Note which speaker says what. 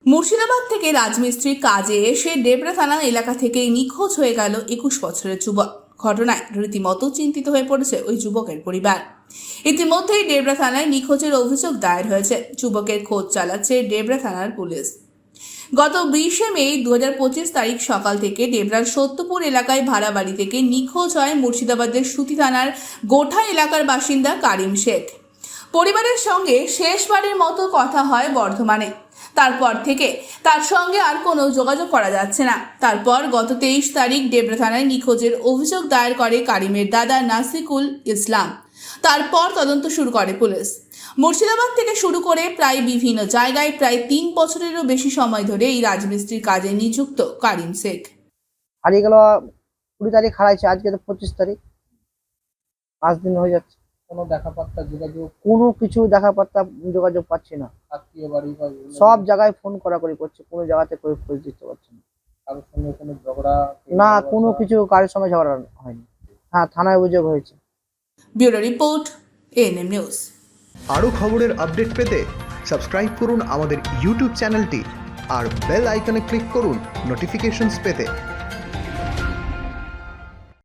Speaker 1: মুর্শিদাবাদ থেকে রাজমিস্ত্রির কাজে এসে ডেবরা থানা এলাকা থেকেই নিখোঁজ হয়ে গেল 21 বছরের যুবক। ঘটনায় রীতিমতো চিন্তিত হয়ে পড়েছে ওই যুবকের পরিবার। ইতিমধ্যেই ডেবরা থানায় নিখোঁজের অভিযোগ দায়ের হয়েছে। যুবকের খোঁজ চালাচ্ছে ডেবরা থানার পুলিশ। গত 20 মে 2025 তারিখ সকাল থেকে ডেবরার সত্যপুর এলাকায় ভাড়া বাড়ি থেকে নিখোঁজ হয় মুর্শিদাবাদের সুতি থানার গোঠা এলাকার বাসিন্দা কারিম শেখ। পরিবারের সঙ্গে শেষবারের মতো কথা হয় বর্ধমানে। তারপর থেকে তার সঙ্গে আর কোনো যোগাযোগ করা যাচ্ছে না। তারপর গত 23 তারিখ ডেবরা থানায় নিখোঁজের অভিযোগ দায়ের করে কারিমের দাদা নাসিকুল ইসলাম। তারপর তদন্ত শুরু করে পুলিশ। মুর্শিদাবাদ থেকে শুরু করে প্রায় বিভিন্ন জায়গায় প্রায় 3 বছরেরও বেশি সময় ধরে এই রাজমিস্ত্রির কাজে নিযুক্ত কারিম শেখ।
Speaker 2: হারিয়ে গেল 20 তারিখ হারাইছে, আজকে তো 25 তারিখ, 5 দিন হয়ে যাচ্ছে।
Speaker 3: কোনো দেখা পাত্তা যোগাযোগ
Speaker 2: কোনো কিছু দেখা পাত্তা যোগাযোগ পাচ্ছি না।
Speaker 3: আত্মীয় বাড়ি বা
Speaker 2: সব জায়গায় ফোন করাকরি করছে, কোনো জায়গাতে কেউ খোঁজ দিতে পারছে না।
Speaker 3: কারোর সঙ্গে কোনো ঝগড়া
Speaker 2: না, কোনো কিছু কারোর সঙ্গে ঝগড়া হয়নি। হ্যাঁ, থানায় অভিযোগ হয়েছে।
Speaker 1: Bureau report, ANM news.
Speaker 4: আরও খবরের আপডেট পেতে সাবস্ক্রাইব করুন আমাদের ইউটিউব চ্যানেলটি আর বেল আইকনে ক্লিক করুন নোটিফিকেশনস পেতে।